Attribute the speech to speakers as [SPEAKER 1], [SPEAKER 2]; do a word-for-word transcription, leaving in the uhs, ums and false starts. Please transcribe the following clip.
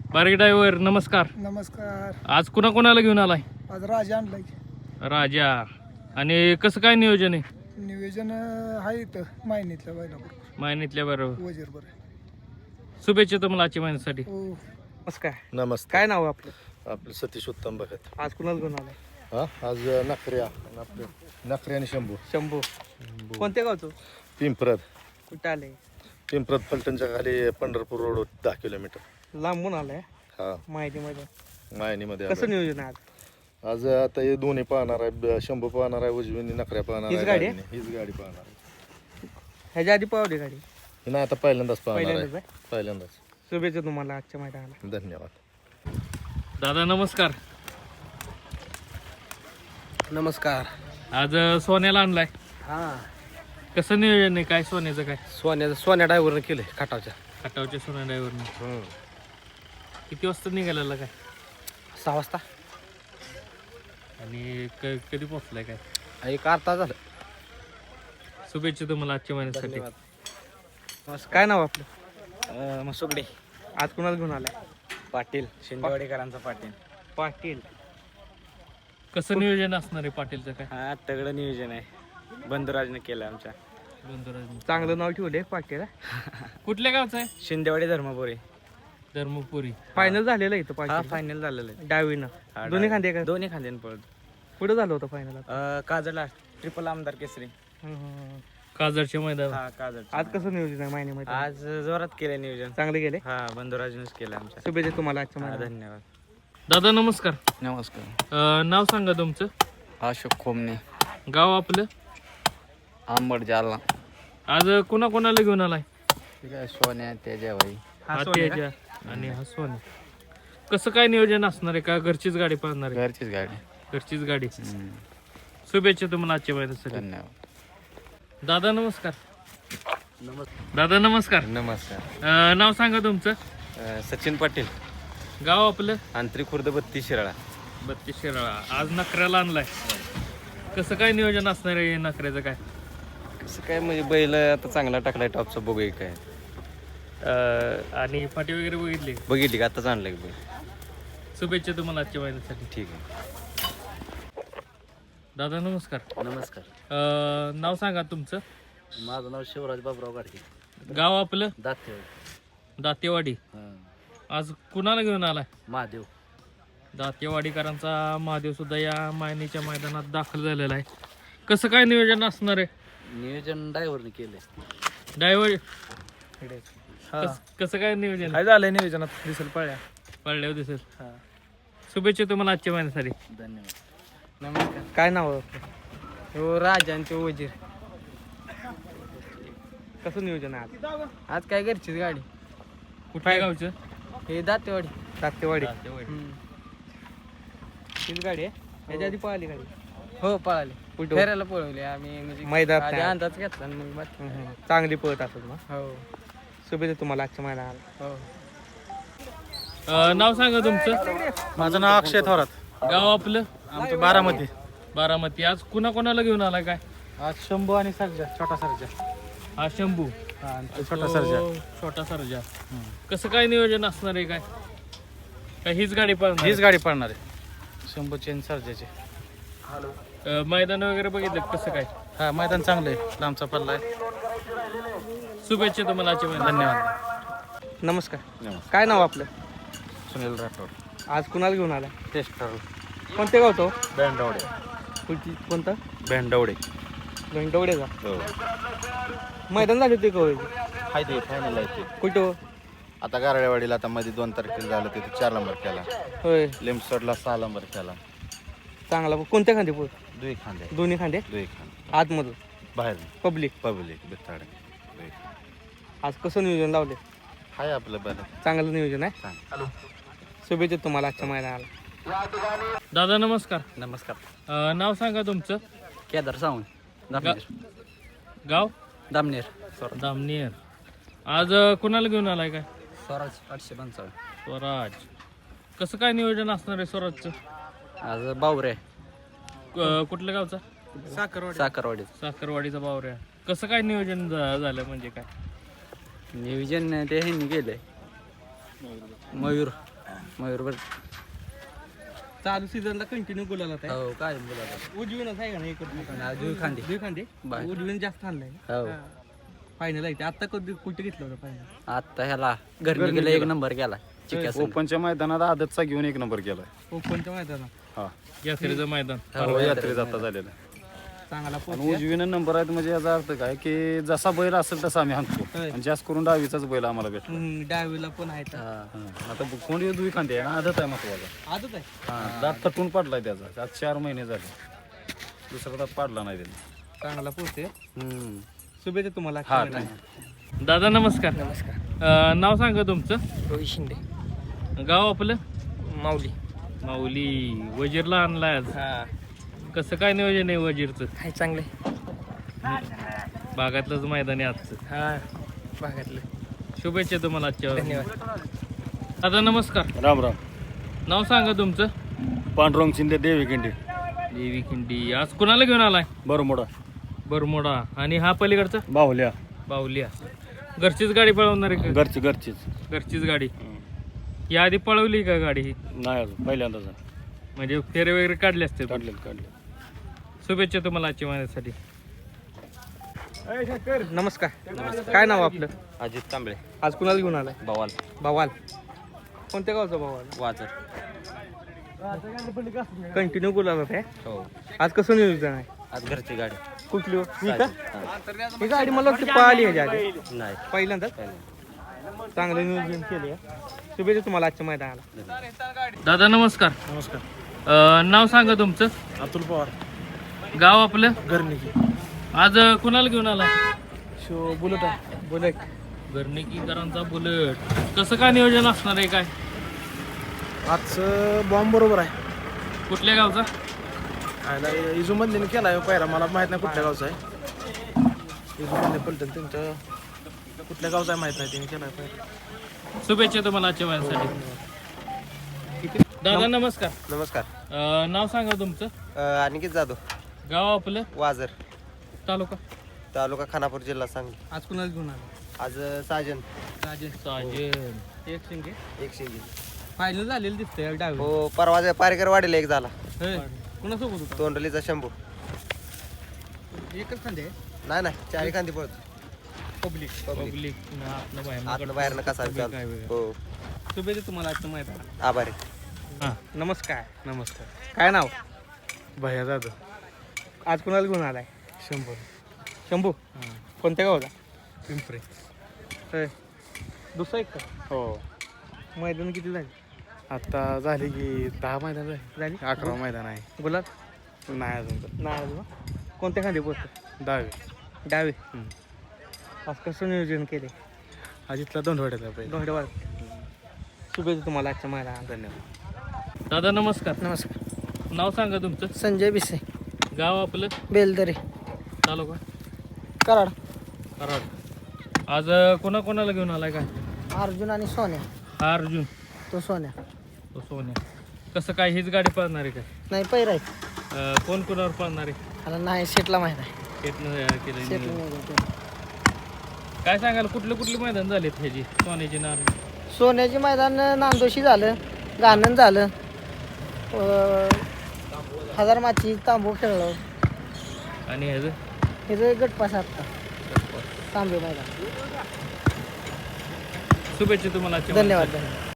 [SPEAKER 1] बारगे driver नमस्कार.
[SPEAKER 2] नमस्कार.
[SPEAKER 1] आज कुणा कोणाला घेऊन आलाय?
[SPEAKER 2] आज राजा आणलाय.
[SPEAKER 1] राजा. आणि कसं काय नियोजन आहे?
[SPEAKER 2] नियोजन आहे इथं मायनीतल्या बैलाबरोबर
[SPEAKER 1] मायनीतल्या बरोबर.
[SPEAKER 2] वजीर बरं.
[SPEAKER 1] शुभेच्छा तुम्हाला आजच्या महिन्यासाठी.
[SPEAKER 2] हो.
[SPEAKER 3] नमस्कार.
[SPEAKER 4] नमस्कार.
[SPEAKER 3] काय नाव आहे आपलं?
[SPEAKER 4] आपलं सतीश उत्तम भगत.
[SPEAKER 3] आज कुणाला घेऊन आलाय?
[SPEAKER 4] हा आज नखऱ्या आपलं नखरे आणि शंभू.
[SPEAKER 3] शंभू. कोणत्या गावचं?
[SPEAKER 4] पिंपरद.
[SPEAKER 3] कुठं आले?
[SPEAKER 4] पिंपरद पलटणच्या खाली पंढरपूर रोड दहा किलोमीटर.
[SPEAKER 3] लांबून आलाय
[SPEAKER 4] हा
[SPEAKER 3] माहिती मध्ये.
[SPEAKER 4] मायनीमध्ये
[SPEAKER 3] कसं
[SPEAKER 4] आलोय.
[SPEAKER 3] नियोजन आहे आज?
[SPEAKER 4] आज आता हे दोन्ही पाहणार आहे. ब- शंभू पाहणार आहे, उजवीने नखऱ्या पाहणार
[SPEAKER 3] हीच
[SPEAKER 4] आहे,
[SPEAKER 3] गाडी आहे?
[SPEAKER 4] डावीने. हीच गाडी पाहणार आहे.
[SPEAKER 3] ह्याच्या आधी पावली गाडी?
[SPEAKER 4] ही नाही आता पहिल्यांदाच पाहणार
[SPEAKER 3] पहिल्यांदाच
[SPEAKER 4] आहे.
[SPEAKER 3] आहे?
[SPEAKER 4] पहिल्यांदाच.
[SPEAKER 3] शुभेच्छा तुम्हाला आजच्या मैदानाला.
[SPEAKER 4] धन्यवाद.
[SPEAKER 1] दादा नमस्कार.
[SPEAKER 5] नमस्कार.
[SPEAKER 1] आज सोन्याला आणलाय.
[SPEAKER 5] हा
[SPEAKER 1] कसं नियोजन आहे? काय सोन्याचं काय?
[SPEAKER 5] सोन्या सोन्या ड्रायव्हरनं केलंय खटावच्या.
[SPEAKER 1] खटावच्या सोन्या ड्रायव्हरने. किती वाजता निघालेला काय?
[SPEAKER 5] सहा वाजता
[SPEAKER 1] आणि क- कधी पोहोचलाय काय?
[SPEAKER 5] एक अर्धा झालं.
[SPEAKER 1] शुभेच्छा तुम्हाला आजच्या महिन्यासाठी.
[SPEAKER 3] काय नाव आहे आपलं?
[SPEAKER 5] मसुगडे
[SPEAKER 3] आज कुणाला घेऊन आलाय?
[SPEAKER 5] पाटील शिंदेवाडीकरांचा पाटील.
[SPEAKER 3] पाटील.
[SPEAKER 1] कसं नियोजन असणार आहे पाटीलचं काय?
[SPEAKER 5] हा तगडं नियोजन आहे. बंधुराजने केलं आमच्या.
[SPEAKER 1] बंधुराज.
[SPEAKER 3] चांगलं नाव ठेवलंय पाटील.
[SPEAKER 1] कुठल्या गावचं आहे?
[SPEAKER 5] शिंदेवाडी धर्मपुरी.
[SPEAKER 1] धर्मपुरी.
[SPEAKER 3] फायनल झालेलं आहे इथं
[SPEAKER 5] हा
[SPEAKER 3] पाटील.
[SPEAKER 5] फायनल झालेलं आहे.
[SPEAKER 3] डावीनं
[SPEAKER 5] हा,
[SPEAKER 3] दोन्ही खांदे का?
[SPEAKER 5] दोन्ही खांद्यान पळत.
[SPEAKER 3] पुढे झालं होतं फायनल.
[SPEAKER 5] अं, काजळला ट्रिपल आमदार केसरी.
[SPEAKER 1] काजरच्या मैदान.
[SPEAKER 5] हा काजळ.
[SPEAKER 3] आज कसं नियोजन आहे महिन्यामध्ये?
[SPEAKER 5] आज जोरात केलं नियोजन.
[SPEAKER 3] चांगले गेले.
[SPEAKER 5] हा बंधुराजनेच केलं आमच्या.
[SPEAKER 3] शुभेच्छा तुम्हाला आजच्या
[SPEAKER 5] हा,
[SPEAKER 3] महिन्यात.
[SPEAKER 5] धन्यवाद.
[SPEAKER 1] दादा नमस्कार.
[SPEAKER 6] नमस्कार.
[SPEAKER 1] अं, नाव सांगा तुमचं.
[SPEAKER 6] अशोक खोमने,
[SPEAKER 1] गाव आपलं.
[SPEAKER 6] आंबड जालना.
[SPEAKER 1] आज कुणा कोणाला घेऊन आलाय?
[SPEAKER 6] ठीक आहे. सोन्या त्याच्याबाई.
[SPEAKER 1] हा तेजा आणि हा सोन्या. कसं काय नियोजन असणार आहे? का घरचीच गाडी पाहणार आहे?
[SPEAKER 6] घरचीच गाडी.
[SPEAKER 1] घरचीच गाडी.
[SPEAKER 6] हम्म.
[SPEAKER 1] शुभेच्छा तुम्हाला आजच्या महिन्यासाठी.
[SPEAKER 6] धन्यवाद.
[SPEAKER 1] दादा नमस्कार. दादा नमस्कार.
[SPEAKER 5] नमस्कार.
[SPEAKER 1] अं, नाव सांगा तुमचं.
[SPEAKER 5] अं, सचिन पाटील
[SPEAKER 1] गाव आपलं.
[SPEAKER 5] आंतरिक खुर्द बत्तीस शिराळा.
[SPEAKER 1] बत्तीस शिराळा. आज नखऱ्याला आणलाय. कसं काय नियोजन असणार आहे नखऱ्याचं काय?
[SPEAKER 5] कसं काय म्हणजे बैल आता चांगला टाकलाय टॉपचा. बघूया काय.
[SPEAKER 1] अं, आणि फाटी वगैरे बघितली.
[SPEAKER 5] बघितली का आताच आणलं बैल.
[SPEAKER 1] शुभेच्छा तुम्हाला आजच्या महिन्यासाठी.
[SPEAKER 5] ठीक आहे.
[SPEAKER 1] दादा नमस्कार.
[SPEAKER 6] नमस्कार.
[SPEAKER 1] अं, नाव सांगा तुमचं.
[SPEAKER 6] माझं नाव शिवराज बाबराव गाडगे.
[SPEAKER 1] गाव आपलं.
[SPEAKER 6] दातेवाडी.
[SPEAKER 1] दातेवाडी. आज कुणाला घेऊन आलाय?
[SPEAKER 6] महादेव.
[SPEAKER 1] दातेवाडीकरांचा महादेव सुद्धा या मायनीच्या मैदानात दाखल झालेला आहे. कसं काय नियोजन असणार आहे?
[SPEAKER 6] नियोजन ड्रायव्हरने केलंय.
[SPEAKER 1] ड्रायव्हर. कसं काय नियोजन?
[SPEAKER 3] काय झालंय नियोजनात? दिसेल पळ्या.
[SPEAKER 1] पडल्यावर दिसेल. शुभेच्छा तुम्हाला आजच्या महिन्यासाठी.
[SPEAKER 6] धन्यवाद.
[SPEAKER 3] नमस्कार. काय नाव आहे आपलं? हो राजांचे वजीर. कसं नियोजन आहे आज?
[SPEAKER 5] आज काय घरचीच गाडी.
[SPEAKER 1] कुठल्या गावचं?
[SPEAKER 5] हे दातेवाडी.
[SPEAKER 3] दातेवाडी.
[SPEAKER 1] दातेवाडी.
[SPEAKER 3] तीच गाडी आहे. याच्या आधी पळाली गाडी.
[SPEAKER 5] हो पळाली.
[SPEAKER 3] कुठं?
[SPEAKER 5] फेरायला पळवली आम्ही म्हणजे
[SPEAKER 3] मैदानात
[SPEAKER 5] आधी
[SPEAKER 3] नाही.
[SPEAKER 5] अंदाज घेतला आणि मग बाकी.
[SPEAKER 3] हम्म, हम्म. चांगली पळत असेल ना.
[SPEAKER 5] हो
[SPEAKER 3] शुभेच्छा तुम्हाला आजच्या मैदानाला.
[SPEAKER 5] हो.
[SPEAKER 1] अं, नाव सांगा तुमचं.
[SPEAKER 2] माझं नाव अक्षय थोरात.
[SPEAKER 1] गाव आपलं.
[SPEAKER 2] आमचं बारामती.
[SPEAKER 1] बारामती. आज कुणा कोणाला घेऊन आलाय काय?
[SPEAKER 2] आज शंभू आणि सर्जा. छोटा सर्जा.
[SPEAKER 1] हा शंभू.
[SPEAKER 2] छोटा
[SPEAKER 1] तो
[SPEAKER 2] सर्जा.
[SPEAKER 1] छोटा सर्जा. कसं काय नियोजन असणार आहे काय? काय हीच गाडी पाहणार?
[SPEAKER 2] हीच गाडी पडणार आहे. शंभूचे आणि सर्जाचे.
[SPEAKER 1] अं, मैदान वगैरे बघितलं कसं काय?
[SPEAKER 2] हा मैदान चांगलं आहे. लांबचा पल्ला आहे.
[SPEAKER 1] शुभेच्छा तुम्हाला आजच्या महिन्यात.
[SPEAKER 2] धन्यवाद.
[SPEAKER 3] नमस्कार. काय नाव आपलं?
[SPEAKER 5] सुनील राठोड.
[SPEAKER 3] आज कुणाला घेऊन आला?
[SPEAKER 5] टेस्ट ठरवलं.
[SPEAKER 3] कोणत्या गावतो?
[SPEAKER 5] भेंडवडे.
[SPEAKER 3] कुठची? कोणतं?
[SPEAKER 5] भेंडवडे.
[SPEAKER 3] घंटवडे का?
[SPEAKER 5] हो.
[SPEAKER 3] मैदान झाले ते कवळ.
[SPEAKER 4] हाय ते फायनल आहे ते.
[SPEAKER 3] कुठं?
[SPEAKER 4] आता गारडेवाडीला आता मध्ये दोन तारखेला झालं तिथे चार नंबर केला.
[SPEAKER 3] होय.
[SPEAKER 4] लिमसोडला सहा नंबर केला.
[SPEAKER 3] चांगला. कोणत्या खांदे पोळ?
[SPEAKER 4] दुई खांदे.
[SPEAKER 3] दोन्ही खांदे.
[SPEAKER 4] दुई खांदे.
[SPEAKER 3] आतमधून
[SPEAKER 4] बाहेर
[SPEAKER 3] पब्लिक.
[SPEAKER 4] पब्लिक बिथाडे.
[SPEAKER 3] आज कसं नियोजन लावले?
[SPEAKER 4] हाय आपलं बरं.
[SPEAKER 3] चांगलं नियोजन आहे.
[SPEAKER 4] चांगलं.
[SPEAKER 3] शुभेच्छा तुम्हाला आजच्या मैदानाला.
[SPEAKER 1] दादा नमस्कार.
[SPEAKER 6] नमस्कार.
[SPEAKER 1] अं, नाव सांगा तुमचं.
[SPEAKER 6] केदार सावंत.
[SPEAKER 1] गा- गाव.
[SPEAKER 6] दामनेर.
[SPEAKER 1] दामनेर. आज अं, कुणाला घेऊन आलाय काय?
[SPEAKER 6] स्वराज आठशे पंचावन्न.
[SPEAKER 1] स्वराज. कसं काय नियोजन असणार आहे स्वराजचं?
[SPEAKER 6] आज बावरे.
[SPEAKER 1] क- कुठल्या गावचा?
[SPEAKER 6] साखरवाडी.
[SPEAKER 1] साखरवाडीचा बावऱ्या. कसं काय नियोजन झा- झालं म्हणजे काय?
[SPEAKER 6] नियोजन ते ह्यांनी केलंय. मयूर. मयूरभर
[SPEAKER 3] चालू सीझनला कंटिन्यू गुलाला आहे
[SPEAKER 6] हो काय बोला
[SPEAKER 3] उजवीनच आहे का नाही इकडं
[SPEAKER 6] जुई खांदी
[SPEAKER 3] दुई खांदे
[SPEAKER 6] बाय.
[SPEAKER 3] उजवीन जास्त आणलाय
[SPEAKER 6] हो
[SPEAKER 3] फायनल आहे ते आता कधी कुठे घेतलं होतं फायनल
[SPEAKER 6] आता ह्याला घरनी गेला एक नंबर केला चिक्या संघ.
[SPEAKER 4] ओपनच्या मैदानात आदतचा घेऊन एक नंबर केलाय
[SPEAKER 3] ओपनच्या मैदानात
[SPEAKER 4] हा
[SPEAKER 1] यात्रेचं मैदान
[SPEAKER 6] हो,
[SPEAKER 4] यात्रे जाता झालेला
[SPEAKER 3] चांगला
[SPEAKER 4] आणि
[SPEAKER 3] पोहोच
[SPEAKER 4] उजवीनं नंबर आहेत म्हणजे याचा अर्थ काय की जसा बैल असेल तसा आम्ही हाणतो
[SPEAKER 3] होय.
[SPEAKER 4] आणि जास्त करून डावीचाच बैल आम्हाला भेटतो
[SPEAKER 3] डावीला पण आहे
[SPEAKER 6] हा.
[SPEAKER 4] हा. आता कोणी दुई खांदे आहे ना आदत आहे महत्वाचा
[SPEAKER 3] आजच आहे
[SPEAKER 4] हा दात तटून पडलाय त्याचा आज चार महिने झाले दुसरा दात पाडला नाही त्याने
[SPEAKER 3] चांगला पोहोचते
[SPEAKER 6] हम्म.
[SPEAKER 3] शुभेच्छा तुम्हाला
[SPEAKER 4] हा
[SPEAKER 3] आजच्या मैदानात.
[SPEAKER 1] दादा नमस्कार.
[SPEAKER 3] नमस्कार
[SPEAKER 1] अं, नाव सांगा तुमचं.
[SPEAKER 3] रोहित शिंदे
[SPEAKER 1] गाव आपलं.
[SPEAKER 3] माऊली
[SPEAKER 1] माऊली. वजीरला आणलाय आज.
[SPEAKER 3] हा
[SPEAKER 1] कसं काय नियोजन आहे वजीरचं.
[SPEAKER 3] आहे चांगले
[SPEAKER 1] भागातलंच मैदान आहे आजचं.
[SPEAKER 3] हा भागातलं
[SPEAKER 1] शुभेच्छा तुम्हाला आजच्या.
[SPEAKER 3] धन्यवाद.
[SPEAKER 1] दादा नमस्कार.
[SPEAKER 4] राम राम.
[SPEAKER 1] नाव सांगा तुमचं.
[SPEAKER 4] पांडुरंग शिंदे देवी किंडी
[SPEAKER 1] देवी खिंडी. आज कुणाला घेऊन आलाय.
[SPEAKER 4] बरं मोठा
[SPEAKER 1] बरमोडा. आणि हा पलीकडचा
[SPEAKER 4] बाहुल्या
[SPEAKER 1] बाहुलिया. घरचीच गाडी पळवणार आहे का.
[SPEAKER 4] घरची घरचीच
[SPEAKER 1] घरचीच गाडी. या आधी पळवली का गाडी ही.
[SPEAKER 4] नाही अजून पहिल्यांदाच
[SPEAKER 1] म्हणजे फेरे वगैरे काढले असते.
[SPEAKER 4] काढले काढले.
[SPEAKER 1] शुभेच्छा तुम्हाला आजच्या महिन्यासाठी.
[SPEAKER 3] नमस्कार. काय नाव आपलं.
[SPEAKER 5] अजित कांबळे
[SPEAKER 3] आज कुणाला घेऊन आलाय.
[SPEAKER 5] बवाल
[SPEAKER 3] बवाल. कोणत्या गावचा बवाल.
[SPEAKER 5] वाजर
[SPEAKER 3] कंटिन्यू गुलाल आहे.
[SPEAKER 5] हो
[SPEAKER 3] आज कसं नियोजन आहे.
[SPEAKER 5] आज घरची गाडी
[SPEAKER 3] कुठली हो? ही का ही गाडी मला वाटतं पळाली ह्याच्या आधी
[SPEAKER 5] नाही
[SPEAKER 3] पहिल्यांदाच. चांगलं नियोजन केले. शुभेच्छा तुम्हाला आजच्या मैदानाला.
[SPEAKER 1] दादा नमस्कार.
[SPEAKER 2] नमस्कार.
[SPEAKER 1] अं, नाव सांगा तुमचं.
[SPEAKER 2] अतुल पवार
[SPEAKER 1] गाव आपलं.
[SPEAKER 2] गर्निकी.
[SPEAKER 1] आज अं, कुणाला घेऊन आला.
[SPEAKER 2] Show bullet
[SPEAKER 3] bullet.
[SPEAKER 1] घरनिकीकरांचा बुलेट. कसं काय नियोजन असणार आहे काय.
[SPEAKER 2] आजचं बॉम्ब बरोबर आहे.
[SPEAKER 1] कुठल्या गावचा.
[SPEAKER 2] आयला इजूमधले केला आहे पायरा मला माहित नाही कुठल्या गावचा आहे. इजूमधले पलटण त्यांचं कुठल्या गावचा आहे माहित नाही त्यांनी केला आहे पायरा.
[SPEAKER 1] शुभेच्छा तुम्हाला आजच्या महिन्यासाठी. दादा नमस्कार.
[SPEAKER 5] नमस्कार.
[SPEAKER 1] अं, नाव सांगा तुमचं.
[SPEAKER 5] अनिकेत जाधव
[SPEAKER 1] गाव आपलं.
[SPEAKER 5] वाजर
[SPEAKER 1] तालुका.
[SPEAKER 5] तालुका खानापूर जिल्हा सांगली.
[SPEAKER 3] आज कुणाला घेऊन आला.
[SPEAKER 5] आज साजन
[SPEAKER 3] राजेश.
[SPEAKER 1] साजन.
[SPEAKER 3] एक शिंगे.
[SPEAKER 5] एक शिंगी
[SPEAKER 3] फायनल झालेलं दिसतंय डावी.
[SPEAKER 5] हो परवा पारकर वाडीला एक झाला.
[SPEAKER 3] कुणासोबत होता.
[SPEAKER 5] तोंडलीचा शंभू.
[SPEAKER 3] एकच खांदे.
[SPEAKER 5] नाही नाही चारी खांदी पळतो.
[SPEAKER 3] पब्लिक.
[SPEAKER 1] पब्लिक. आतनं बाहेरनं
[SPEAKER 5] आतनं बाहेरनं कसा
[SPEAKER 1] पब्लिक
[SPEAKER 5] चालतो.
[SPEAKER 1] आहे वेगळं.
[SPEAKER 5] हो
[SPEAKER 3] शुभेच्छा तुम्हाला आजच्या मैदानाला.
[SPEAKER 5] आभारी.
[SPEAKER 1] हां.
[SPEAKER 3] नमस्कार.
[SPEAKER 2] नमस्कार.
[SPEAKER 3] काय नाव.
[SPEAKER 2] भैया जाधव.
[SPEAKER 3] आज कुणाला घेऊन आलाय.
[SPEAKER 2] शंभर.
[SPEAKER 3] शंभू. कोणत्या गावाला.
[SPEAKER 2] पिंपरे.
[SPEAKER 3] होय. दुसरा एक का.
[SPEAKER 2] हो
[SPEAKER 3] मैदान किती झाली.
[SPEAKER 2] आता झाली की दहा मैदान झाली.
[SPEAKER 3] झाली.
[SPEAKER 2] अकरा मैदान आहे.
[SPEAKER 3] गुलाब.
[SPEAKER 2] नाही अजून तर.
[SPEAKER 3] नाही अजून. कोणत्या खांदे पोहोचतो.
[SPEAKER 2] दहावी.
[SPEAKER 3] डावे. आज कसं नियोजन केले.
[SPEAKER 2] अजितला दोन वाटायला पाहिजे.
[SPEAKER 3] धन्यवाद. शुभेच्छा तुम्हाला आजच्या मैदानाला.
[SPEAKER 2] धन्यवाद.
[SPEAKER 1] दादा नमस्कार.
[SPEAKER 3] नमस्कार.
[SPEAKER 1] नाव सांगा तुमचं.
[SPEAKER 3] संजय बिसे.
[SPEAKER 1] गाव आपलं.
[SPEAKER 3] बेलदरे.
[SPEAKER 1] तालुका.
[SPEAKER 3] कराड.
[SPEAKER 1] कराड. आज अं, कोणा कोणाला घेऊन आलाय काय.
[SPEAKER 3] अर्जुन आणि सोन्या.
[SPEAKER 1] हा अर्जुन.
[SPEAKER 3] तो सोन्या.
[SPEAKER 1] तो सोन्या. कसं काय हीच गाडी पळणार आहे काय.
[SPEAKER 3] नाही पैर आहे.
[SPEAKER 1] अं, कोण कोणावर पळणार आहे.
[SPEAKER 3] मला नाही सेटला माहित आहे.
[SPEAKER 1] शेतनं केलं
[SPEAKER 3] सेटला
[SPEAKER 1] नियोजन.
[SPEAKER 3] नियोजन केलं.
[SPEAKER 1] काय सांगाल कुठले कुठले मैदान झालेत ह्याची सोन्याची नार.
[SPEAKER 3] सोन्याचे मैदान नांदोशी झालं. गाणन झालं. हजार माची तांबू खेळलो.
[SPEAKER 1] आणि ह्याचं
[SPEAKER 3] हे जे गटपास आता तांबे मैदान.
[SPEAKER 1] शुभेच्छा तुम्हाला आजच्या
[SPEAKER 3] धन्यवाद धन्यवाद.